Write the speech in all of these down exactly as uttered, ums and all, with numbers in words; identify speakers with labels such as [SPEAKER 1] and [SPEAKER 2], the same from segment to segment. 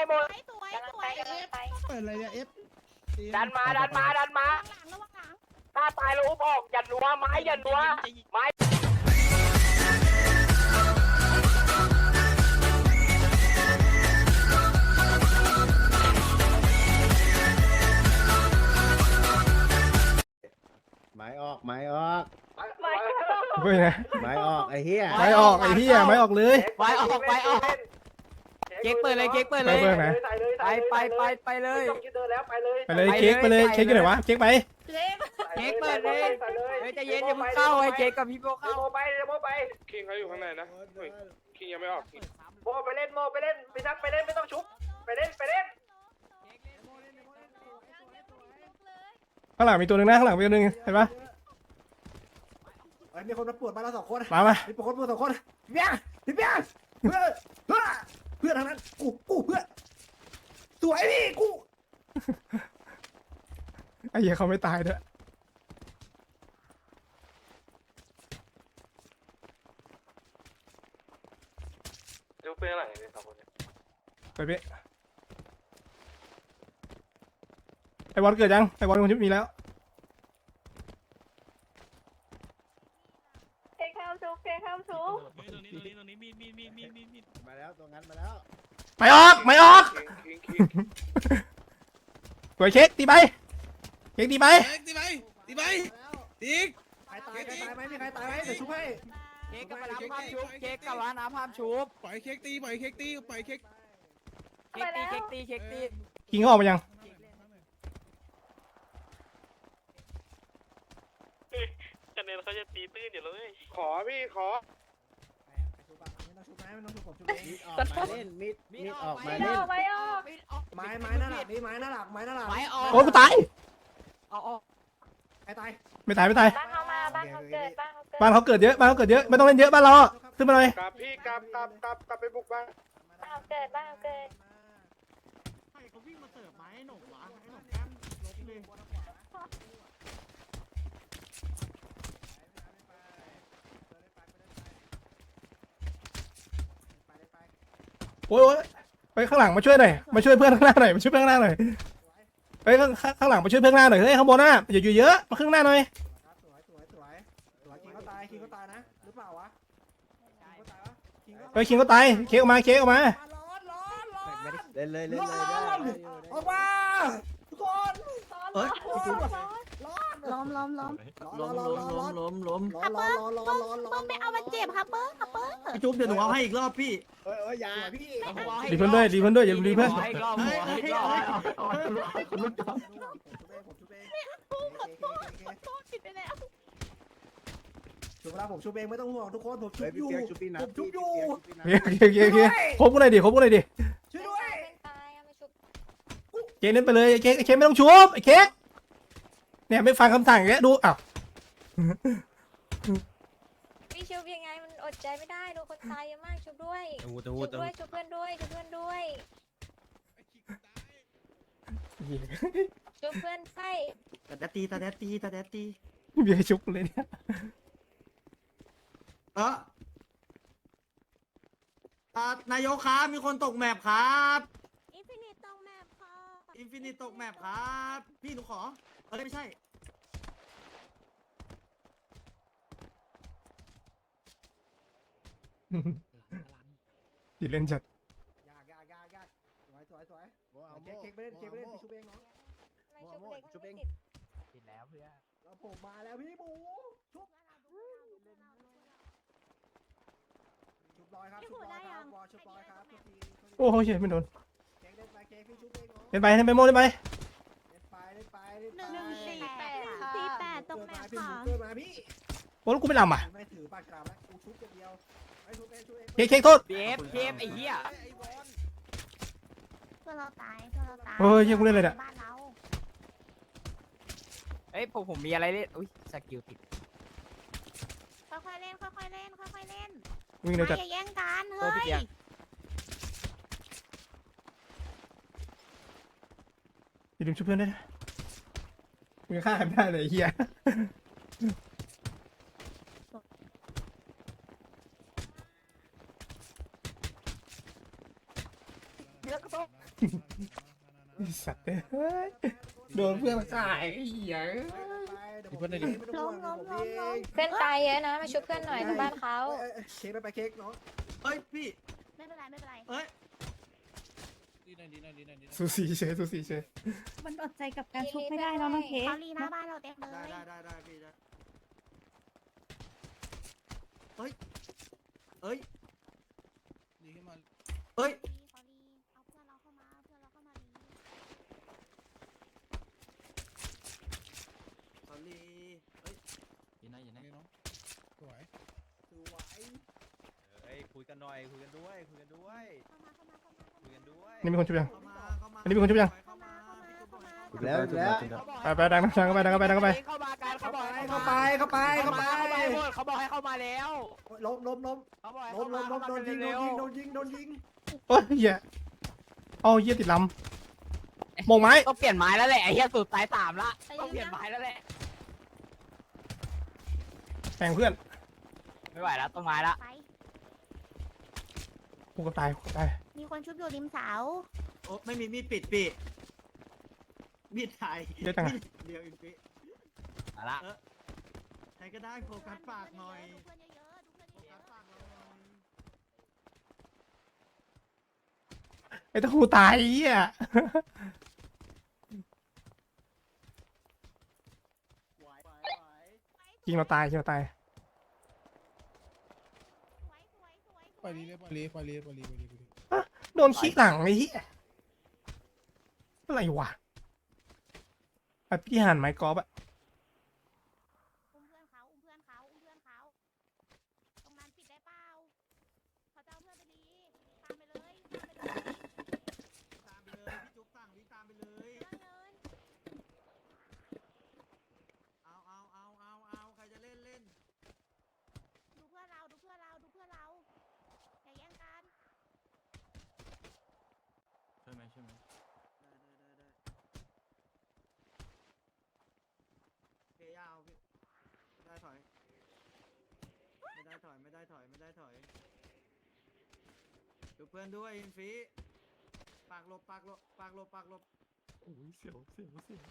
[SPEAKER 1] หมด
[SPEAKER 2] สวยสวย
[SPEAKER 3] เปิดอะไรเนี่ยเอฟ
[SPEAKER 1] ดันมาดันมาดันมา
[SPEAKER 2] หลังระวังหลัง
[SPEAKER 1] ถ้าตายแล้วอุ้มออกอย่านัวไม้อย่านัวไม้
[SPEAKER 3] ไม้ออกไม้ออก
[SPEAKER 4] เฮ้ยนะ
[SPEAKER 3] ไม้ออกไอ้เหี้ย
[SPEAKER 4] ไม้ออกไอ้เหี้ยไม้ออกเลย
[SPEAKER 1] ไม้ออกไม้ออกเค้กเปิดเลยเค้กเปิดเลย
[SPEAKER 5] ไปไปไปไปเลย
[SPEAKER 1] ต้องคิดเดินแล้วไปเลย
[SPEAKER 4] ไปเลยเค้กไปเลยเค้กอยู่ไหนวะเค้กไป
[SPEAKER 2] เล็บ
[SPEAKER 5] เค้กเปิดเลยเฮ้ยใจเย็นอย่าเพิ่งเข้าไอ้เค้กกับพี่โบ
[SPEAKER 1] โม
[SPEAKER 5] เข้า
[SPEAKER 1] ไปโมไป
[SPEAKER 6] คิงเขาอยู่ข้างในนะเฮ้ยคิงยังไม่ออกคิง
[SPEAKER 1] โมไปเล่นโมไปเล่นพี่นักไปเล่นไม่ต้องชุบไปเล่นไปเล่น
[SPEAKER 4] ข้างหลังมีตัวหนึ่งนะข้างหลังมีตัวหนึ่งเห็นปะ
[SPEAKER 3] ไอ้มีคนมาปวดมาแล้วสองคน
[SPEAKER 4] มามา
[SPEAKER 3] มีคนปวดสองคนเบี้ยพี่เบี้ยเพื่อเพื่อเพื่อทางนั้นกูกูเพื่อสวยพี่กู
[SPEAKER 4] ไอ้เหี้ยเขาไม่ตายด้วย
[SPEAKER 6] ดูเพื่อนหลังเลยสองคนเนี่ย
[SPEAKER 4] ไปพี่ไอ้บอลเกิดยังไอ้บอลคนที่มีแล้ว
[SPEAKER 2] เค้กข้าวชุบเค้กข้าวชุบ
[SPEAKER 7] ตรงนี้ตรงนี้ตรงนี้มีดมีดมีดมีดมีดมีด
[SPEAKER 3] มาแล้วตัวงั้นมาแล้ว
[SPEAKER 4] ไม่ออกไม่ออก
[SPEAKER 6] คิงคิงคิง
[SPEAKER 4] สวยเค้กตีไปเค้กตีไป
[SPEAKER 7] ตีไปตีไปตีก
[SPEAKER 3] ใครตายใครตายไหมมีใครตายไหมเดี๋ยวชุบให้
[SPEAKER 5] เค้กกับร้านภาพชุบเค้กกับร้านน้ำภาพชุบ
[SPEAKER 7] ปล่อยเค้กตีปล่อยเค้กตีปล่อยเค้ก
[SPEAKER 5] เค้กตีเค้กตีเค้กตี
[SPEAKER 4] กิงเขาออกมายัง
[SPEAKER 7] คะแนนเขาจะตีตื้นอยู่เลย
[SPEAKER 6] ขอพี่ขอ
[SPEAKER 3] ไม่ต้องชุบนะไม่ต้องชุบผมชุบเองมีดออกมาเล่นมีดมีดออกมา
[SPEAKER 2] ไม่
[SPEAKER 3] เล่น
[SPEAKER 2] ออกไม่ออก
[SPEAKER 3] ไม้ไม้หน้าหลักนี่ไม้หน้าหลักไม้หน้าหลัก
[SPEAKER 5] ไม้ออก
[SPEAKER 4] โอ้ยกูตาย
[SPEAKER 5] เอาออก
[SPEAKER 3] ใครตาย
[SPEAKER 4] ไม่ตายไม่ตาย
[SPEAKER 2] บ้านเขามาบ้านเขาเกิดบ้านเขาเกิด
[SPEAKER 4] บ้านเขาเกิดเยอะบ้านเขาเกิดเยอะไม่ต้องเล่นเยอะบ้านเราอะขึ้นมาเลย
[SPEAKER 6] กลับพี่กลับกลับกลับกลับไปบุกบ้าน
[SPEAKER 2] บ้านเขาเกิดบ้านเขาเกิด
[SPEAKER 3] ใครเขาวิ่งมาเสิร์ฟไม้หนกวะไอ้หนกแก้มลบเลย
[SPEAKER 4] โอ้ยโอ้ยไปข้างหลังมาช่วยหน่อยมาช่วยเพื่อนข้างหน้าหน่อยมาช่วยเพื่อนข้างหน้าหน่อยไปข้างข้างหลังมาช่วยเพื่อนข้างหน้าหน่อยเฮ้ยข้างบนน่ะอย่าอยู่เยอะมาข้างหน้าหน่อย
[SPEAKER 3] สวยสวยสวยสวยคิงก็ตายคิงก็ตายนะหรือเปล่าวะคิงก็ตายวะคิงก็
[SPEAKER 4] ไปคิงก็ตายเค้กออกมาเค้กออกมา
[SPEAKER 3] ร้อนร้อนร้อนเล่นเลยเล่นเลยออกมาทุกคนเอ้ยร้อน
[SPEAKER 2] ล้อมล้อมล้อม
[SPEAKER 3] ร้อนร้อนร้อนร้อนร้อนร้อนร้อนร้อนร้อนร้อนร้อน
[SPEAKER 2] เบิ้มไม่เอามันเจ็บครับเบิ้มครับเบิ้ม
[SPEAKER 8] พี่จุ๊บเดี๋ยวหนูเอาให้อีกรอบพี่
[SPEAKER 3] เอ้ยเอ้ยอย่าพี่
[SPEAKER 4] ดีเพื่อนด้วยดีเพื่อนด้วยอย่าลืมดีเพื่อน
[SPEAKER 5] ให้รอบหัวให้รอบ
[SPEAKER 3] ผมชุบเอง
[SPEAKER 2] โทษผิดไปแล้ว
[SPEAKER 3] ชุบแล้วผมชุบเองไม่ต้องห่วงทุกคนผมชุบอยู่ผมชุบอยู่
[SPEAKER 4] เค้กเค้กเค้กเค้กครบกูหน่อยดิครบกูหน่อยดิ
[SPEAKER 3] ช่วยด้วย
[SPEAKER 2] เป็นตายเอามาชุบ
[SPEAKER 4] เค้กเล่นไปเลยเค้กเค้กไม่ต้องชุบไอ้เค้กเนี่ยไม่ฟังคำสั่งอย่างเงี้ยดูอ้าว
[SPEAKER 2] พี่ชุบยังไงมันอดใจไม่ได้ดูคนตายเยอะมากชุบด้วยชุบด้วยชุบเพื่อนด้วยชุบเพื่อนด้วยชุบเพื่อนไฟ
[SPEAKER 8] ตาแดดตีตาแดดตีตาแดดตี
[SPEAKER 4] เบียร์ชุบเลยเนี่ย
[SPEAKER 8] เอออ่านายกครับมีคนตกแมปครับ
[SPEAKER 2] อินฟินิตตรงแมพค่ะ
[SPEAKER 8] อินฟินิตตกแมปครับพี่หนูขอเออไม่ใช่
[SPEAKER 4] ดิเล่นจัด
[SPEAKER 3] ยากยากยากยากสวยสวยสวยเค้กเค้กไปเล่นเค้กไปเล่นชุบเองเนาะ
[SPEAKER 2] ไม่ชุบเลยก็ไม่ติด
[SPEAKER 5] ติดแล้วเพื่อน
[SPEAKER 3] แล้วผมมาแล้วพี่หมูชุบชุบลอยครับชุบลอยครับวอชุบลอยครับทุกที
[SPEAKER 4] โอ้โหเฉยไม่โดน
[SPEAKER 3] เค้กเล่นไปเค้กพี่ชุบเองเนาะ
[SPEAKER 4] เล่นไปเล่นไปโม่เล่นไป
[SPEAKER 3] เล่นไปเล่นไปเล่นไป
[SPEAKER 2] หนึ่งสี่แปดสี่แปดตรงแมพ
[SPEAKER 3] พี่ห
[SPEAKER 2] ค่ะ
[SPEAKER 3] มูเกิดมาพี่
[SPEAKER 4] โอ้แล้วกูไม่ลำอ่ะ
[SPEAKER 3] ไม่ถือปากกาแล้วกูชุบอย่างเดียวไอ้ชุบเองชุบเอง
[SPEAKER 4] เค้กเค้กโทษ
[SPEAKER 5] เบฟเบฟไอ้เหี้ย
[SPEAKER 2] เพื่อนเราตายเพื่อนเราตาย
[SPEAKER 4] โอ้ยเหี้ยกูเล่นอะไรเนี่ย
[SPEAKER 2] บ้านเรา
[SPEAKER 5] เอ้ยผมผมมีอะไรเล่นอุ้ยสกิลติด
[SPEAKER 2] ค่อยๆเล่นค่อยๆเล่นค่อยๆเล่น
[SPEAKER 4] วิ่งเร็วจัด
[SPEAKER 2] อย่าแย่งกัน
[SPEAKER 5] ตัว
[SPEAKER 2] เฮ้
[SPEAKER 5] พี่
[SPEAKER 2] ย
[SPEAKER 5] เกียร์
[SPEAKER 4] อย่าลืมช่วยเพื่อนด้วยนะมึงฆ่าใครไม่ได้เลยไอ้เฮีย
[SPEAKER 3] เดี๋ยวก็ต้อง
[SPEAKER 4] ไอ้สัตว์เอ้ยโดนเพื่อนขายไอ้เหี้ย
[SPEAKER 3] เพื่อนได้ดิ
[SPEAKER 2] ล้มล้มล้มล้มเพื่อนตายเยอะนะมาช่วยเพื่อนหน่อยที่บ้านเขา
[SPEAKER 3] เค้กไปไปเค้กน้อง
[SPEAKER 8] เฮ้ยพี่
[SPEAKER 2] ไม่เป็นไรไม่เป็นไร
[SPEAKER 8] เฮ้ย
[SPEAKER 7] ดีหน่อยดีหน่อยดีหน่อยดีหน่อย
[SPEAKER 4] สูสีเฉยสูสีเฉย
[SPEAKER 9] มันอดใจกับการชุบไม่ได้เนาะน้องเค้ก
[SPEAKER 2] เขาลีหน้าบ้านเราเต็มเล
[SPEAKER 8] ได้
[SPEAKER 2] ย
[SPEAKER 8] ได้ได้ได้พี่ได้เฮ้ยเฮ้ย
[SPEAKER 7] ดีขึ้นมา
[SPEAKER 8] เฮ้ย
[SPEAKER 2] เขาลีเอาเพื่อนเราเข้ามาเพื่อนเราเข้ามาลี
[SPEAKER 8] สอรี่เฮ้ย
[SPEAKER 5] ยินนะยินนะ
[SPEAKER 7] นี่เนาะสวย
[SPEAKER 3] สวย
[SPEAKER 5] เฮ้ยคุยกันหน่อยคุยกันด้วยคุยกันด้วย
[SPEAKER 2] เข้ามาเข้ามาเข้ามา
[SPEAKER 5] คุยกันด้วย
[SPEAKER 4] นี่มีคนชุบยัง
[SPEAKER 8] เข้ามาเข้ามา
[SPEAKER 4] อันนี้มีคนชุบยัง
[SPEAKER 8] เข้ามาพี่ชุบหน่อย
[SPEAKER 3] แล้วแล้ว
[SPEAKER 4] ไปไปดังดังเข้าไปดังเข้าไปดังเข้าไป
[SPEAKER 5] เข้ามากันเขาบอกให้
[SPEAKER 3] เข้าไปเข้าไปเข้าไป
[SPEAKER 5] หมดเขาบอกให้เข้ามาแล้ว
[SPEAKER 3] ล้มล้มล้ม
[SPEAKER 5] เขาบอกให้
[SPEAKER 3] ล้
[SPEAKER 5] เข้าม มา
[SPEAKER 3] ล้มล้มโดนยิงโดนยิงโดนยิงโดนยิง
[SPEAKER 4] โอ้ยเหี้ยเอาเหี้ยติดลำโมงไม้
[SPEAKER 5] ต้องเปลี่ยนไม้แล้วแหละไอ้เหี้ยสุดสายสามละต้องเปลี่ยนไม้แล้วแหละ
[SPEAKER 4] แทงเพื่อน
[SPEAKER 5] ไม่ไหวแล้วต้องไม้ละ
[SPEAKER 2] ไป
[SPEAKER 4] กูก็ตายกูก็ตาย
[SPEAKER 2] มีคนชุบอยู่ริมเสา
[SPEAKER 8] โอ้ไม่มีมีดปิดปีมีดไทย
[SPEAKER 4] เยอะจังอะ
[SPEAKER 8] เดียวอินฟิ
[SPEAKER 5] มาละ
[SPEAKER 8] ใครก็ได้โฟกัสปากหน่อย
[SPEAKER 2] ดูเพื่อนเยอะๆดูเพื่อน
[SPEAKER 8] โฟ
[SPEAKER 2] เย
[SPEAKER 8] กั
[SPEAKER 2] อะ
[SPEAKER 8] สปากเราหน่อย
[SPEAKER 4] ไอ้ตะคูตายไอ้เหี้ย
[SPEAKER 3] ไหวไหวไหว
[SPEAKER 4] ยิงเราตายยิงเราตาย
[SPEAKER 2] ๆสวยสวยสวยส
[SPEAKER 7] ปล่
[SPEAKER 2] ว
[SPEAKER 7] อย
[SPEAKER 2] ย
[SPEAKER 7] ลีเลยปล่อยลีปล่อยลีปล่อยลีปล่อยลีปล่อยลี
[SPEAKER 4] โดนขี้หลังไอ้เหี้ยอะไรวะไอ้พี่หันไม้กอล์ฟอะ
[SPEAKER 2] อุ้มเพื่อนเขาอุ้มเพื่อนเขาอุ้มเพื่อนเขาตรงนั้นปิดได้เปล่าเขาจะเอาเพื่อนไปลีตามไปเลยตามไปเลย
[SPEAKER 8] ตามไปเลยพี่จุ๊บสั่งวิ่งตามไปเลย
[SPEAKER 2] เรื่องเงิน
[SPEAKER 8] เอาเอาเอาเอาเอาใครจะเล่นเล่น
[SPEAKER 2] ดูเพื่อนเราดูเพื่อนเราดูเพื่อนเราอย่าแย่งกัน
[SPEAKER 5] ช่วยไหมช่วยไหม
[SPEAKER 8] ได้ได้ได้ได้เพยาวพี่ไม่ได้ถอยไม่ได้ถอยไม่ได้ถอยไม่ได้ถอยดูเพื่อนด้วยอินฟีปากหลบปากหลบปากหลบปากหลบ
[SPEAKER 4] โอ้ยเสียวเสียวเสียว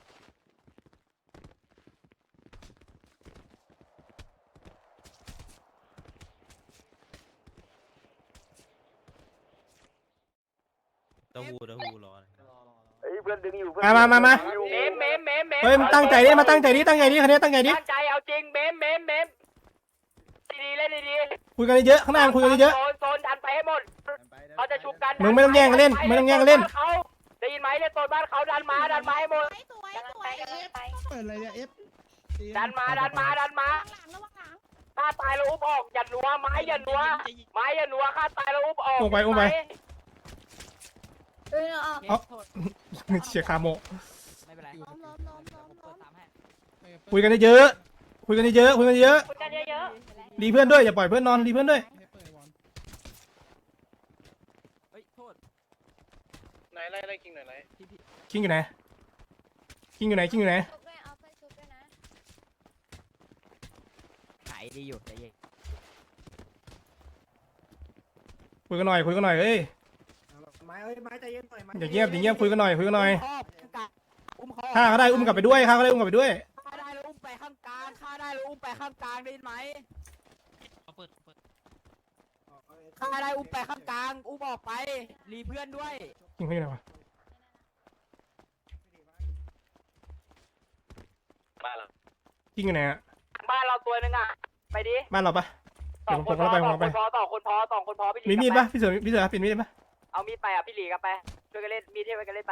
[SPEAKER 5] เต้าหู้เต้าหู้รอ
[SPEAKER 1] เฮ้ยเพื่อนดึงอยู่เพื่อน
[SPEAKER 4] มามามามา
[SPEAKER 1] เมมเมมเมมเมม
[SPEAKER 4] เฮ้ยมึงตั้งใจดิมาตั้งใจดิตั้งใจดิคันนี้ตั้งใจดิ
[SPEAKER 1] ตั้งใจเอาจริงเมมเมมเมมดีๆเล่นดี
[SPEAKER 4] คุยกันเยอะข้างหน้าคุยกันเยอะ
[SPEAKER 1] โซนโซนดันไปให้หมดเขาจะชุบกัน
[SPEAKER 4] มึงไม่ต้องแย่งกันเล่นไม่ต้องแย่งกันเล่น
[SPEAKER 1] เขาได้ยินไหมเล่นโซนบ้านเขาดันมาดันมาให้หมด
[SPEAKER 2] สวยสวยสวย
[SPEAKER 7] เปิดอะไรเนี่ยเอฟ
[SPEAKER 1] ดันมาดันมาดันมา
[SPEAKER 2] ระวังหลังระวังหลัง
[SPEAKER 1] ฆ่าตายแล้วอุ้มออกอย่านัวไม้อย่านัวไม้อย่านัวฆ่าตายแล้วอุ้มออก
[SPEAKER 4] อุ้มไปอุ้มไป
[SPEAKER 2] เออเอา
[SPEAKER 4] เอ้า เชียร์คาโม
[SPEAKER 5] ไม่เป็นไร
[SPEAKER 2] ล้มล้มล้มล้มล้ม
[SPEAKER 5] ตามให้
[SPEAKER 4] คุยกันเยอะคุยกันเยอะคุยกันเยอะ
[SPEAKER 2] คุยกันเยอะ
[SPEAKER 4] รีเพื่อนด้วยอย่าปล่อยเพื่อนนอนรีเพื่อนด้วย
[SPEAKER 7] ให้เปิดบอล
[SPEAKER 5] เฮ้ยโทษ
[SPEAKER 6] ไหนไล่ไล่คิงหน่อยไหน
[SPEAKER 4] คิงอยู่ไหนคิงอยู่ไหนคิงอยู่ไหน
[SPEAKER 2] ชุบด้วยเอาเพื่อนชุบด้วยนะ
[SPEAKER 5] หายดีอยู่ใจเย็น
[SPEAKER 4] คุยกันหน่อยคุยกันหน่อยเอ้ย
[SPEAKER 3] ไม้เอ้ยไม้ใจเย็นหน่อยไม้
[SPEAKER 4] อย่าเงียบอย่าเงียบคุยกันหน่อยคุยกันหน่อย
[SPEAKER 5] ครอบกะอุ้มคอ
[SPEAKER 4] ฆ่าก็ได้อุ้มกลับไปด้วยฆ่าก็ได้อุ้มกลับไปด้วย
[SPEAKER 5] ฆ่าได้แล้วอุ้มไปข้างกลางฆ่าได้แล้วอุ้มไปข้างกลางได้ยินไหม
[SPEAKER 7] เอาเปิดเปิด
[SPEAKER 5] ฆ่าได้อุ้มไปข้างกลางอุ้มออกไปรีเพื่อนด้วย
[SPEAKER 4] คิงเขาอยู่ไหนวะ
[SPEAKER 1] บ้านเรา
[SPEAKER 4] คิงอยู่ไหนอะ
[SPEAKER 1] บ้านเราตัวนึงอ่ะไปดิ
[SPEAKER 4] บ้านเราปะ
[SPEAKER 1] สองคนพอ
[SPEAKER 4] เดี๋ยวผม
[SPEAKER 1] ส
[SPEAKER 4] ผม
[SPEAKER 1] อง
[SPEAKER 4] เรา
[SPEAKER 1] ค
[SPEAKER 4] ไป
[SPEAKER 1] นพอสองคนพอสองคนพอพี่หลี
[SPEAKER 4] มีมีด
[SPEAKER 1] กลั
[SPEAKER 4] ปะ
[SPEAKER 1] บไป
[SPEAKER 4] พี่เสือพี่เสือปิดมีดได้ปะ
[SPEAKER 1] เอามีดไปอ่ะพี่หลีกลับไปช่วยกันเล่นมีดเทพไปกันเล่นไป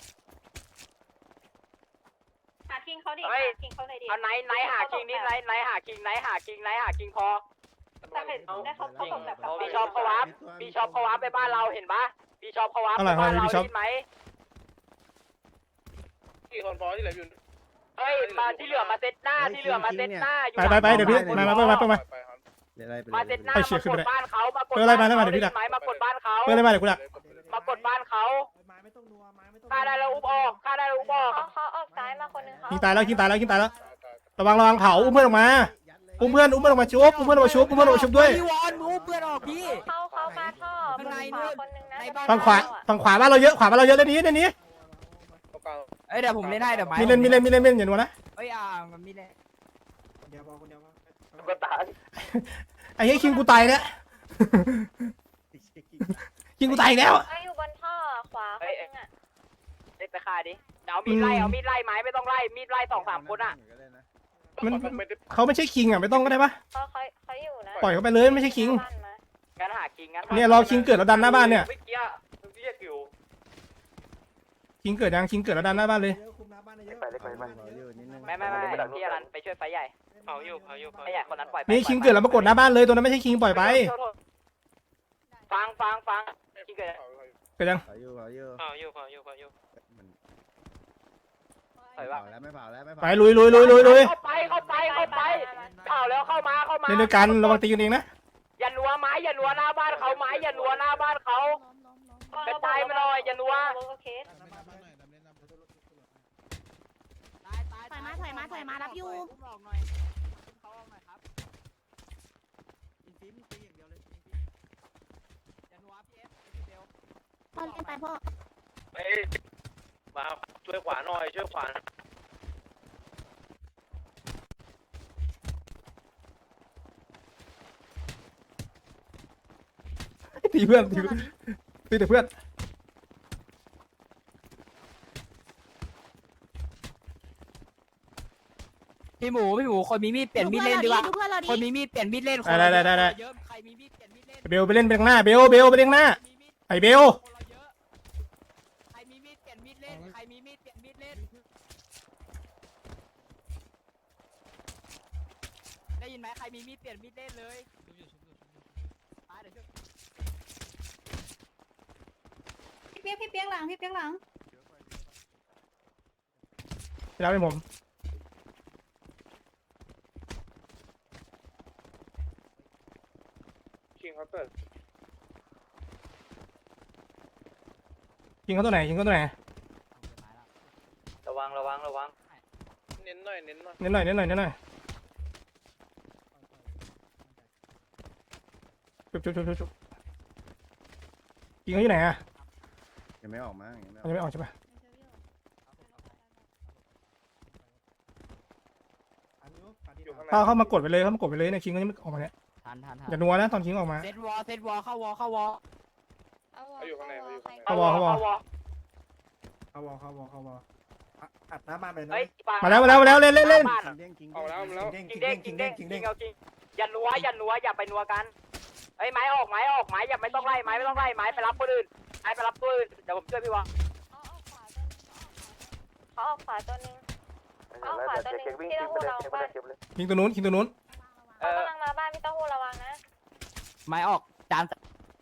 [SPEAKER 2] หาคิงเขาดิ
[SPEAKER 1] เฮ้ย
[SPEAKER 2] คิงเขาหน่อยดิ
[SPEAKER 1] เอาไนท์ไนท์หาคิงนี่ไนท์ไนท์หาคิงไนท์หาคิงไนท์หาคิงพอ
[SPEAKER 2] แต่เห็นได้เขาเขาส่งแบบ
[SPEAKER 1] บีชอปเขาวับบีชอปเขาวับไปบ้านเราเห็นปะบีชอปเขาวับ
[SPEAKER 4] อะ
[SPEAKER 1] ไป
[SPEAKER 4] ไร
[SPEAKER 1] บ้านเรา
[SPEAKER 4] พี่ชอป
[SPEAKER 1] ได้ไหม
[SPEAKER 6] กี่คนพอที่เหลืออยู่
[SPEAKER 1] เฮ้ยมาที่เหลือมาเซตหน้าที่เหลือมาเซตหน้าอยู่
[SPEAKER 4] ไปไปไปเดี๋ยวพี่มามาเพิ่มมาเพิ่มมา
[SPEAKER 6] ไปครับ
[SPEAKER 1] มาเซตหน้า
[SPEAKER 4] ไป
[SPEAKER 1] มา
[SPEAKER 4] เชียร์ขึ้น
[SPEAKER 1] ก
[SPEAKER 4] ไป
[SPEAKER 1] ด
[SPEAKER 4] เลย
[SPEAKER 1] บ้านเขามากด
[SPEAKER 4] เออไล่มาไล่มา
[SPEAKER 1] บ้น
[SPEAKER 4] เดี๋ยวพี่ดัก
[SPEAKER 1] ไหมมากดบ้านเขา
[SPEAKER 4] เพื่อนอะไรมาเดี๋ยวกูดัก
[SPEAKER 1] มากดบ้านเขา
[SPEAKER 3] ไม้ไม่ต้องนัวไม้ไม่ต้อง
[SPEAKER 1] ฆ่าได้แล้วอุ้มออกฆ่าได้แล้วอุ้มออก
[SPEAKER 2] เขาเขาออกซ้ายมาคนนึงเขา
[SPEAKER 4] คิงตายแล้วคิงตายแล้วคิงตายแล้วระวังระวังเผาอุ้มเพื่อนออกมาอุ้มเพื่อนอุ้มเพื่อนออกมาชุบอุ้มเพื่อนออกมาชุบอุ้มเพื่อนออกมาชุบด้วย
[SPEAKER 5] พี่วอนมึงอุ้มเพื่อนออกพี่
[SPEAKER 2] เขาเขามาท่อ
[SPEAKER 5] ข้างใน
[SPEAKER 2] ข
[SPEAKER 5] นู่
[SPEAKER 2] วาน คนนึงนะ
[SPEAKER 5] ในบ้าน
[SPEAKER 4] ฝั่งขวาฝั่งขวาบ้านเราเยอะขวาบ้านเราเยอะเล่นนี้เล่นนี้
[SPEAKER 6] ตรงกลาง
[SPEAKER 5] เอ้ยเดี๋ยวผมเล่นให้เดี๋ยวไม้
[SPEAKER 4] มีเล่นมีเล่นมีเล่นมีเล่นอย่าหนัวนะ
[SPEAKER 5] เอ้ยอ่ามันมีเล่น
[SPEAKER 8] คนเดียวพอคนเดียวพอ
[SPEAKER 1] ก็ตาย
[SPEAKER 4] ไอ้เหี้ยคิงกูตายแล้วคิงกูตายอีกแล้ว
[SPEAKER 2] ไอ้อยู่บนท่อขวาคนนึงอ่ะ
[SPEAKER 1] เล่นไปฆ่าดิเอามีดไล่เอามีดไล่ไม้ไม่ต้องไล่มีดไล่สองสามคนอ่ะ
[SPEAKER 4] มัน
[SPEAKER 6] ไม่ได้
[SPEAKER 4] เขาไม่ใช่คิงอ่ะไม่ต้องก็ได้ปะ
[SPEAKER 2] เขาเขาเขาอยู่นะ
[SPEAKER 4] ปล่อยเขาไปเลยไม่ใช่คิง
[SPEAKER 2] บ้านมา
[SPEAKER 1] งั้นหาคิงงั้น
[SPEAKER 4] เนี่ยรอคิงเกิดแล้วดันหน้าบ้านเนี่ย
[SPEAKER 1] เมื่อกี้เรียกอยู่
[SPEAKER 4] คิงเกิดยังคิงเกิดแล้วดันหน้าบ้านเลย
[SPEAKER 8] เยอะคุมหน้าบ้านเยอะ
[SPEAKER 1] ไปเลยไปไป
[SPEAKER 8] ขออยู่นิดนึง
[SPEAKER 1] ไม่ไม่ไม่พี่อรันไปช่วยไฟใหญ่
[SPEAKER 6] เผาอยู่เผาอยู่เผา
[SPEAKER 1] ไฟใหญ่คนนั้นปล่อยไป
[SPEAKER 4] นี่คิงเกิดแล้วมากดหน้าบ้านเลยตัวนั้นไม่ใช่คิงปล่อยไป
[SPEAKER 1] ฟังฟังฟังคิงเกิด
[SPEAKER 4] เกิดยัง
[SPEAKER 8] ขออยู่ขออยู่
[SPEAKER 6] เผาอยู่เผาอยู่เผาอยู่
[SPEAKER 1] ปล่อยว่า
[SPEAKER 8] แล้วไม่เผาแล้วไม่เผา
[SPEAKER 4] ไปลุยลุยลุยลุยลุย
[SPEAKER 1] เข้าไปเข้าไปเข้าไปเข้าแล้วเข้ามาเข้ามา
[SPEAKER 4] เล่นด้วยกันระวังตีกันเองนะ
[SPEAKER 1] อย่านัวไม้อย่านัวหน้าบ้านเขาไม้อย่านัวหน้าบ้านเขา
[SPEAKER 2] ล้มล้มล้ม
[SPEAKER 1] กระจายมาหน่อยอย่านัว
[SPEAKER 2] โอเค
[SPEAKER 7] ดำเล่นน้ำหน่อยดำเล่นน้ำ
[SPEAKER 5] ตายตาย
[SPEAKER 2] ถอยมาถอยมาถอยมารับอยู่
[SPEAKER 5] อุ้มออกหน่อยเขาออกหน่อยครับ
[SPEAKER 8] อินฟิมตีอย่างเดียวเลย
[SPEAKER 5] อย่านัวพี่เอฟพี่เบล
[SPEAKER 2] พ่อเล่นไปพ่อ
[SPEAKER 6] เฮ้ยมาช่วยขวาหน่อยช่วยขวา
[SPEAKER 4] ตีเพื่อนตีเพื่อนตีแต่เพื่อน
[SPEAKER 5] พี่หมูพี่หมูคนมีมีดเปลี่ยนมีดเล่นดีกว่า
[SPEAKER 2] ดูเพื่อนเรา
[SPEAKER 5] คน
[SPEAKER 2] ดิ
[SPEAKER 5] มีมีดเปลี่ยนมีดเล่น
[SPEAKER 4] ได้ได้ได้ได้
[SPEAKER 5] เยอะใครมีมีดเปลี่ยนมีดเล่น
[SPEAKER 4] เบลไปเล่นไปข้างหน้าเบลเบลไปเล่นข้างหน้า
[SPEAKER 5] มีมีด
[SPEAKER 4] ไอเบล
[SPEAKER 5] คนเราเยอะใครมีมีดเปลี่ยนมีดเล่นใครมีมีดเปลี่ยนมีดเล่นได้ยินไหมใครมีมีดเปลี่ยนมีดเล่นเลยตายเดี๋ยวช่วย
[SPEAKER 9] พี่เปียกพี่เปียกหลังพี่เปียกหลัง
[SPEAKER 4] ไปแล้วเป็นผม
[SPEAKER 6] คิงเขาเกิด
[SPEAKER 4] คิงเขาตัวไหนคิงเขาตัวไหน
[SPEAKER 1] ระวังระวังระวัง
[SPEAKER 6] เน้นหน่อยเน้นหน่อย
[SPEAKER 4] เน้นหน่อยเน้นหน่อยเน้นหน่อยจุบจุบจุบจุบจุบคิงเขาอยู่ไหนอะ
[SPEAKER 8] ยังไม่ออกมายังไม่อ
[SPEAKER 4] มันยังไม่ออกใช่ปะ
[SPEAKER 6] อยู่ข้างใน
[SPEAKER 4] เข้าเข้ามากดไปเลยเข้ามากดไปเลยเนี่ยคิงเขายังไม่ออกมาเนี่ย
[SPEAKER 5] ทันทันทัน
[SPEAKER 4] อย่านัวนะตอนคิงออกมา
[SPEAKER 5] เซตวอลเซตวอลเข้าวอลเข้าวอล
[SPEAKER 6] เขาอยู่ข้างในเขาอยู่ข้างใน
[SPEAKER 4] เข้าวอเข้าวอ
[SPEAKER 8] เข้าวอเข้าวอเข้าวออัดหน้าบ้านไปนะ
[SPEAKER 1] เฮ้ย
[SPEAKER 4] มาแล้วมาแล้วมาแล้วเล่นเล่นเล่น
[SPEAKER 8] คิงเด้งคิง
[SPEAKER 6] เอาแล้วเอาแล้ว
[SPEAKER 8] เด้ง
[SPEAKER 1] คิ
[SPEAKER 8] คิ
[SPEAKER 1] ง
[SPEAKER 8] ง
[SPEAKER 1] เด้
[SPEAKER 8] เด้
[SPEAKER 1] ง
[SPEAKER 8] ง
[SPEAKER 1] คิ
[SPEAKER 8] คิ
[SPEAKER 1] ง
[SPEAKER 8] ง
[SPEAKER 1] เด้
[SPEAKER 8] เด้
[SPEAKER 1] ง
[SPEAKER 8] ง
[SPEAKER 1] คิ
[SPEAKER 8] คิ
[SPEAKER 1] ง
[SPEAKER 8] ง
[SPEAKER 1] เด้
[SPEAKER 8] เด้
[SPEAKER 1] ง
[SPEAKER 8] ง
[SPEAKER 1] อย่านัวอย่านัวอย่าไปนัวกันเฮ้ยไม้ออกไม้ออกไม้อย่าไม่ต้องไล่ไม้ไม่ต้องไล่ไม้ไปรับคนอื่นไม้ไปรับตัวอื่นเดี๋ยวผมช่วยพี่วะ
[SPEAKER 2] เขาออกขวาตัวนึงเขาออกขวาตัวนึงพี่เต้าหู้ระวังบ้าน
[SPEAKER 4] คิงตัวนู้นคิงตัวนู้น
[SPEAKER 1] เอ
[SPEAKER 2] เขา
[SPEAKER 1] อก
[SPEAKER 2] ำลังมาบ้านพี่เต้าหู้ระวังนะ
[SPEAKER 5] ไม้ออกจาน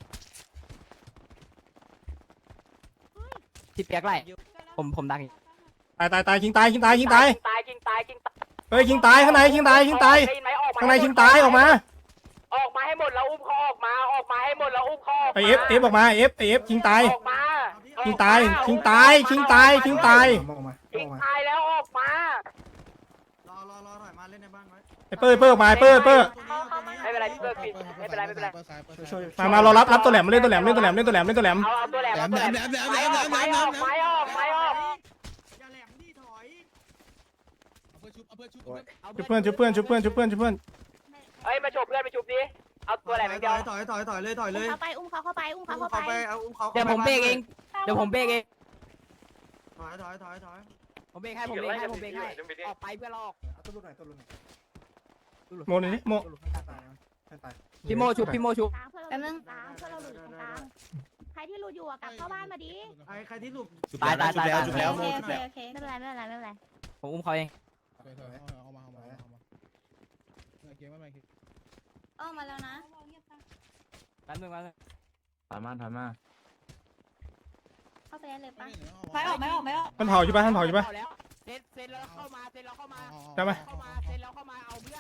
[SPEAKER 5] ที่เปียกไล่ผมผมดังอีก
[SPEAKER 4] ตายตายตายคิงตายคิงตายคิงตาย
[SPEAKER 1] ตายคิงตายคิงตาย
[SPEAKER 4] เฮ้ยคิงตายข้างในคิงตายคิงตาย
[SPEAKER 1] ได้ยินไหมออกมา
[SPEAKER 4] ข้างในคิงตายออกมา
[SPEAKER 1] ออกมาให้หมดแล้วอุ้มเขาออกมาออกมาให้หมดแล้วอุ้มเขาออก
[SPEAKER 4] ไอ
[SPEAKER 1] มา
[SPEAKER 4] เอฟเอฟออกมาเอฟไอเอฟคิงตาย
[SPEAKER 1] ออกมา
[SPEAKER 4] คิงตายคิงตายคิงตายคิงตาย
[SPEAKER 8] ออกมาอ
[SPEAKER 1] คิ
[SPEAKER 8] อง กมา
[SPEAKER 1] ตายแล้วออกมาร
[SPEAKER 8] อรอรอถอยมาเล่นในบ้านไว้
[SPEAKER 4] ไอเปอร์เปอร์ออกมาไอเปอร์เปอร์
[SPEAKER 1] ไม่เป็นไรพี่เบิร์ดปิดไม่เป็นไรไม่เป็นไร
[SPEAKER 8] ช่วย
[SPEAKER 4] มามารอรับรับตัวแหลมมาเล่นตัวแหลมเล่นตัวแหลมเล่นตัวแหลมเล่นตัวแหลม
[SPEAKER 1] เอาเอาตัวแหลมเอาตัวแหลมไม้ออกไม้ออกไม้ออกไม้ออก
[SPEAKER 8] อย่าแหลมดิถอย
[SPEAKER 7] เอาเพื่อนชุบเอาเพื่อนชุบ
[SPEAKER 4] ชุบเพื่อนชุบเพื่อนชุบเพื่อนชุบเพื่อนชุบเพื่อน
[SPEAKER 1] เฮ้ยมาฉบเพื่อนไปฉบดิเอาตัวแหลมอย่างเดียว
[SPEAKER 8] ถอยถอยถอยเลยถอย
[SPEAKER 2] อุ้
[SPEAKER 8] เล
[SPEAKER 2] ม
[SPEAKER 8] ย
[SPEAKER 2] เขาไปอุ้มเขาเข้าไปอุ้มเขาเข้า
[SPEAKER 8] เขา
[SPEAKER 2] ไป
[SPEAKER 8] ไปเอาอุ้มเขา
[SPEAKER 5] เดี๋ยวผมเบรกเองเดี๋ยวผมเบรกเอง
[SPEAKER 8] ถอยถอยถอยถอย
[SPEAKER 5] ผมเบรกให้ผมเบรกให้ผมเบรกให้ออกไปเพื่อนเราออก
[SPEAKER 8] เอาตัวลุกหน่อยตัวลุกหน่อย
[SPEAKER 4] โมนี่นี่โม
[SPEAKER 8] ตัวลุกให้ตายให้ตาย
[SPEAKER 5] พี่โมชุบพี่โมชุบ
[SPEAKER 2] กลางเพื่อนเราอยู่ตรงกลางเพื่อนเราอยู่ตรงกลางใครที่หลุดอยู่อะกลับเข้าบ้านมาดิ
[SPEAKER 8] ไอ้ใครที่ลุก
[SPEAKER 5] ตายตายตาย
[SPEAKER 9] โอเคโอเคโอเคโอเค
[SPEAKER 2] ไม่เป็นไรไม่เป็นไรไม่เป็นไร
[SPEAKER 5] ผมอุ้มเขาเอง
[SPEAKER 7] เอามาเอามาเอามาเกมไม่ไม่เกม
[SPEAKER 9] ออกมาแล้วนะ
[SPEAKER 5] แป๊บนึงแป๊บนึง
[SPEAKER 8] ถอยมาถอยมา
[SPEAKER 2] เข้าไปได้เลยปะ
[SPEAKER 9] ไม่ออกไม่ออกไม่ออก
[SPEAKER 4] มันเผาอยู่ปะมันเผาอยู่ปะ
[SPEAKER 5] แล้วเซตเซตแล้วเข้ามาเซตแล้วเข้ามา
[SPEAKER 4] ได้ไหม
[SPEAKER 5] เข้ามาเซตแล้วเข้ามาเอาเพื่อน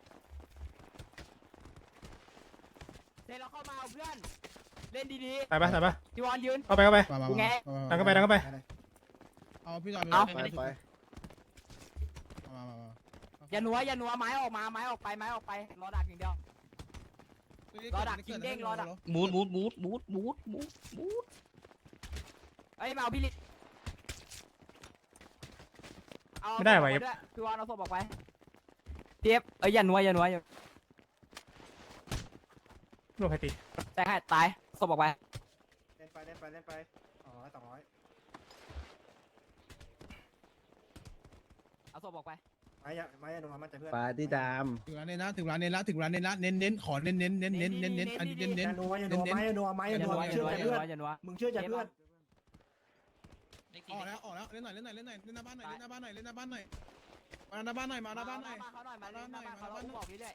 [SPEAKER 5] เซตแล้วเข้ามาเอาเพื่อนเล่นดี
[SPEAKER 4] ตายปะตายปะ
[SPEAKER 5] ๆจีวอนยืน
[SPEAKER 4] เข้าไปเข้าไป ดังเข้าไปดังเข้าไป
[SPEAKER 7] เอาพี่จอน
[SPEAKER 8] ไปไป
[SPEAKER 5] อย่าหนัวอย่าหนัวไม้ออกมาไม้ออกไปไม้ออกไปรอดักอย่างเดียวรอดักคิงเด้งรอดัก
[SPEAKER 10] มูดมูดมูดมูดมูดมูดมูด
[SPEAKER 5] เอ้ยมาเอาพี่ลิเอา
[SPEAKER 4] ไม่ได้ว่ะ
[SPEAKER 5] ศพออกปด้วยพี่วานเอาศพออกไปเทียบเอ้ยอย่านัวอย่านัวอย่า
[SPEAKER 4] ลูกใครตี
[SPEAKER 5] แตกให้ตายศพออกไป
[SPEAKER 8] เล่นไปเล่นไปเล่นไปสองร้อยสองร้อย
[SPEAKER 5] เอาศพออกไป
[SPEAKER 8] ไม้ยะไม้ยะโดนมันใจเพื่อน
[SPEAKER 3] ปาที่ดาม
[SPEAKER 7] ถึงร้านเน้นละถึงร้านเน้นละถึงร้านเน้นละเน้นเน้นขอเน้นเน้นเน้นเน้นเน้นเน้นอันนี้เน้นเน้น
[SPEAKER 8] ยะนัวยะนัวไม้ยะนัวไม้
[SPEAKER 5] อย่าย
[SPEAKER 8] ะนั
[SPEAKER 5] นั
[SPEAKER 8] ว
[SPEAKER 5] ว
[SPEAKER 8] มึง
[SPEAKER 5] อย่า
[SPEAKER 8] เชื่อ
[SPEAKER 5] นัว
[SPEAKER 8] ใจ
[SPEAKER 5] อย่า
[SPEAKER 8] เพื่
[SPEAKER 5] นั
[SPEAKER 8] อ
[SPEAKER 5] วน อย่านัว
[SPEAKER 8] มึงเชื่อใจเพื่อน
[SPEAKER 7] ออกแล้วออกแล้วเล่นหน่อยเล่นหน่อยเล่นหน่อยเล่นหน้าบ้านหน่อยเล่นหน้าบ้านหน่อยเล่นหน้าบ้านหน่อยมาหน้าบ้านหน่อยมาหน้าบ้านหน่อย
[SPEAKER 5] มาเขาหน่อยมาหน้าบ้านเขาหน่อยบอกเรื่อย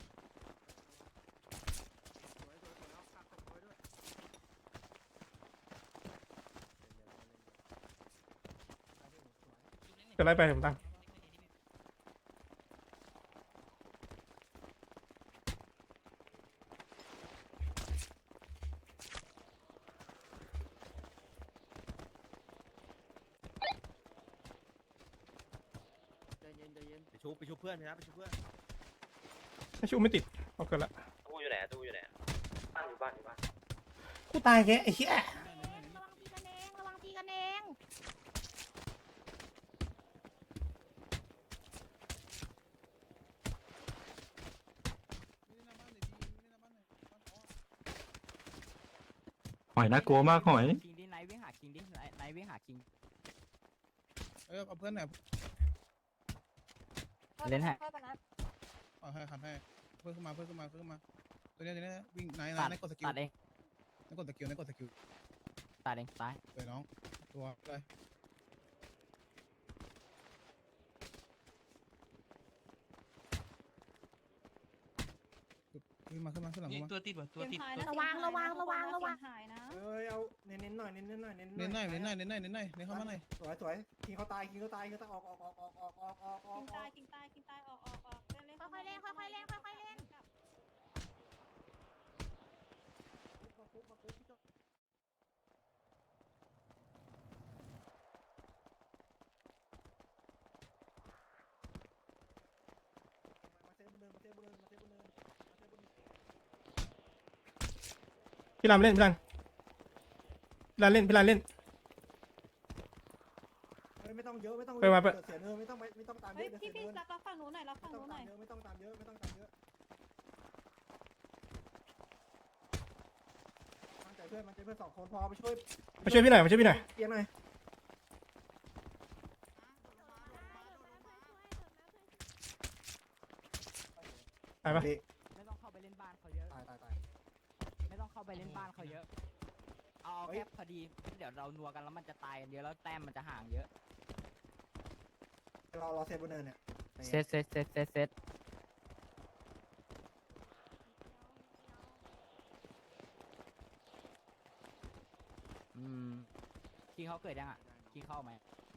[SPEAKER 4] จะไล่ไปผมตั้ง
[SPEAKER 8] ใจเย็นใจเย็น
[SPEAKER 6] ไปชุบไปชุบเพื่อนนะไปชุบเพื่อน
[SPEAKER 4] ไม่ชูไม่ติดเอาเกินละ
[SPEAKER 6] ตู้อยู่ไหนตู้อยู่ไหนบ้านอยู่บ้านอยู่บ้าน
[SPEAKER 4] กูตายแกไอ้เหี้ย
[SPEAKER 2] ระวังตีกันเองระวังตีกันเอง
[SPEAKER 10] หอยน่ากลัวมากหอย
[SPEAKER 5] คิงดิไนวิ่งหาคิงดิไนวิ่งหาคิง
[SPEAKER 7] เออเอาเพื่อนหน่อย
[SPEAKER 5] เล่นให้
[SPEAKER 7] เอาให้ขัดให้เพื่อนขึ้นมาเพื่อนขึ้นมาเพื่อนขึ้นมาตัวนี้ตัวนี้วิ่งไหนไหน
[SPEAKER 5] ตัด
[SPEAKER 7] ไหนกดสกิล
[SPEAKER 5] ตัดเอง
[SPEAKER 7] ไหนกดสกิลไหนกดสกิล
[SPEAKER 5] ตัดเองตาย
[SPEAKER 7] เลยน้องตัวเลยขึ้นมาขึ้นมาขึ้นหลัง
[SPEAKER 10] นี่
[SPEAKER 7] มา
[SPEAKER 10] ตัวติดว่ะตัวติด
[SPEAKER 2] ระวังระวังระวังระวัง
[SPEAKER 9] หายนะ
[SPEAKER 8] เอ้ยเอาเน้นเน้นหน่อยเน้นเน้นหน่อยเน้น
[SPEAKER 7] เน้นหน่อยเน้นหน่อยเน้นหน่อยเน้นหน่อยเน้นเข้ามาหน่อย
[SPEAKER 8] สวยสวยคิงเขาตายคิงเขาตายคิงเขาตายออกออกออกออกออกออกออกออกอ
[SPEAKER 9] กิ
[SPEAKER 8] อน ก
[SPEAKER 9] ตายกินตายกินตายออกออกออกเล่นเล่น
[SPEAKER 2] ค่อยๆเล่นค่อยๆเล่นค่อยๆเล่น
[SPEAKER 8] มาเซฟบนเนินมาเซฟบนเนินมาเซฟบนเนินมาเซฟบนเนิน
[SPEAKER 4] พี่รามเล่นพี่รามพี่รามเล่นพี่รามเล่น
[SPEAKER 8] เฮ้ยไม่ต้องเยอะไม่ต้อง
[SPEAKER 4] ไปมาไป
[SPEAKER 8] เสียเนินไม่ต้องไม่ต้องตามเย
[SPEAKER 9] เฮ้ย
[SPEAKER 8] อะเดี๋ยว
[SPEAKER 9] พี่
[SPEAKER 8] เสีย
[SPEAKER 9] พี่
[SPEAKER 8] เนิน
[SPEAKER 9] รับรับฝั่งหนูหน่อยรับ
[SPEAKER 8] ไม่
[SPEAKER 9] ฝั่งห
[SPEAKER 8] ต้อ
[SPEAKER 9] นู
[SPEAKER 8] ง
[SPEAKER 9] หน่
[SPEAKER 8] ตา
[SPEAKER 9] อ
[SPEAKER 8] ม
[SPEAKER 9] ย
[SPEAKER 8] เยอะไม่ต้องตามเยอะไม่ต้องตามเยอะไม่ต้องตามเยอะมั่นใจเพื่อนมั่นใจเพื่อนสองคนพอไปช่วย
[SPEAKER 4] มาช่วยพี่หน่อยมาช่วยพี่หน่อย
[SPEAKER 8] เปียกหน่อย
[SPEAKER 4] ไปปะ
[SPEAKER 5] ไม่ต้องเข้าไปเล่นบ้านเขาเยอะ
[SPEAKER 8] ตายตายตาย
[SPEAKER 5] ไม่ต้องเข้าไปเล่นบ้านเขาเยอะ เอาแค่พอดี เดี๋ยวเรานัวกันแล้วมันจะตายกันเยอะแล้วแต้มมันจะห่างเยอะ
[SPEAKER 8] รอรอเซฟบนเนินเนี่ย
[SPEAKER 5] เซตเซตเซตเซตเซตอืมคิงเขาเกิดยังอ่ะคิงเข้าไหม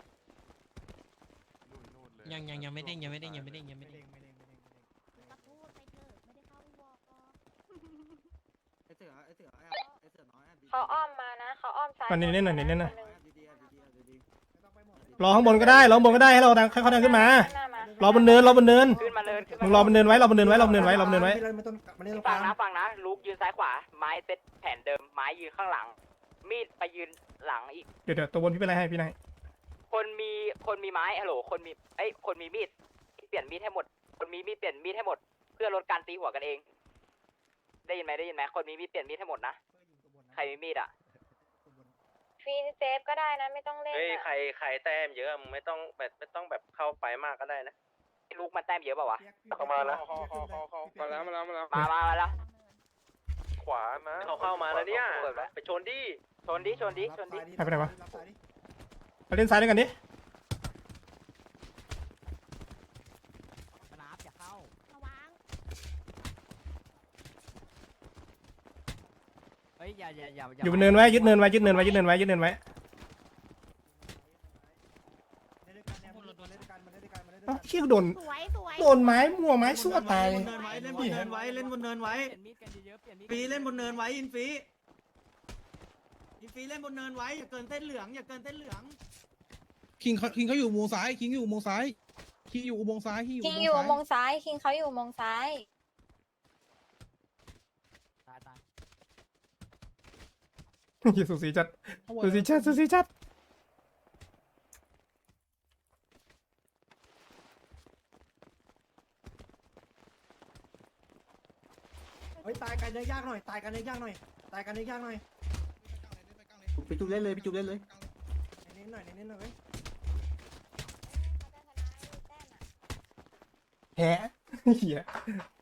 [SPEAKER 10] ยังยังยังไม่เด้งยังไม่เด้งยังไม่เด้งยังไม่
[SPEAKER 8] ไม่
[SPEAKER 10] เด้
[SPEAKER 8] เด้
[SPEAKER 10] ง
[SPEAKER 8] งไม่เด้งไม่เด้งไม่เด้ง
[SPEAKER 2] กระพูดไปเถอะไม่ได้เข้าวอร์ก
[SPEAKER 8] ไอเสือไอเสือไอไอเสือน้อยอ่ะ
[SPEAKER 9] เขาอ้อมมานะเขาอ้อมซ้าย
[SPEAKER 4] มันเน้นๆหน่อยเน้นๆหน่อย
[SPEAKER 8] ดีดีดีดีดีไม่ต้องไปหมด
[SPEAKER 4] รอข้างบนก็ได้รอข้างบนก็ได้ให้เราดังให้เขาดังขึ้นมา รอบนเนินรอบนเนิน
[SPEAKER 1] ขึ้นมาเลยขึ้น
[SPEAKER 4] มึ
[SPEAKER 1] มาง
[SPEAKER 4] รอบนเนินไว้รอบนเนินไว้รอบนเนินไว้รอบนเนินไว้
[SPEAKER 8] ไม่ต้องไม่เล่นตรงก
[SPEAKER 1] ฟั
[SPEAKER 8] ลาง ง
[SPEAKER 1] นะฟังนะลูกยืนซ้ายขวา ไม้เซตแผนเดิม ไม้ยืนข้างหลัง มีดไปยืนหลังอีก
[SPEAKER 4] เดี๋ยวเดี๋ยวตัวบนพี่เป็นไรให้พี่นาย
[SPEAKER 1] คนมีคนมีไม้ฮัลโหลคนมีเอ้ยคนมีมีดเปลี่ยนมีดให้หมด คนมีมีดเปลี่ยนมีดให้หมด เพื่อลดการตีหัวกันเอง ได้ยินไหมได้ยินไหมคนมีมีดเปลี่ยนมีดให้หมดนะ ใครมีมีดอ่ะ
[SPEAKER 9] ฟรีเซฟก็ได้นะไม่ต้องเล่น
[SPEAKER 6] เฮ้ยใครใครแต้มเยอะมึงไม่ต้องแบบไม่ต้องแบบเข้าไปมากก็ได้นะ
[SPEAKER 1] ลูกมันแต้มเยอะเปล่าวะ
[SPEAKER 6] เข้ามาแล้ว
[SPEAKER 8] มาแล้วมาแล้วมาแล้ว
[SPEAKER 1] มามามาแล้ว
[SPEAKER 6] ขวามาเขาเข้ามาแล้วเนี่ยไปชนดิ
[SPEAKER 1] ชนดิชนดิชนดิ
[SPEAKER 4] ไปไหนวะไปเล่นซ้ายด้วยกันดิ
[SPEAKER 5] สนามอย่าเข้า
[SPEAKER 2] ระวัง
[SPEAKER 5] เฮ้ยอย่าอย่าอย่า
[SPEAKER 4] อยู่บนเนินไว้ยึดเนินไว้ยึดเนินไว้ยึดเนินไว้ยึดเนินไว้เอ้าเชี่ยโดน
[SPEAKER 2] สวยสวย
[SPEAKER 4] โดนไม้มั่วไม้สั่วตาย
[SPEAKER 8] เล่นบนเนินไว้เล่นบนเนินไว้เล่นบนเนินไว้
[SPEAKER 5] เปลี่ยนมีดกันเยอะๆเปลี่ยนมีด
[SPEAKER 8] ฟีเล่นบนเนินไว้อินฟีอินฟีเล่นบนเนินไว้อย่าเกินเส้นเหลืองอย่าเกินเส้นเหลือง
[SPEAKER 7] คิงเขาคิงเขาอยู่อุโมงค์ซ้ายคิงอยู่อุโมงค์ซ้ายคิงอยู่อุโมงค์ซ้ายคิงอยู่
[SPEAKER 9] คิง
[SPEAKER 7] อุ
[SPEAKER 9] อยู่
[SPEAKER 7] โม
[SPEAKER 9] ม
[SPEAKER 7] ง
[SPEAKER 9] ง
[SPEAKER 7] ค์ซ้าย
[SPEAKER 9] ซ้ายคิงเขาอยู่มงซ้าย
[SPEAKER 4] สูสีจัดสูสีจัดสูสีจัด
[SPEAKER 8] เฮ้ยตายกันยากหน่อยตายกันยากหน่อยตายกันยากหน่อยพี่จุ๊บเล่นเลยพี่จุ๊บเล่นเลยเน้นหน่อยเน้นหน่อยเว้ย
[SPEAKER 4] แฮะเหี้ย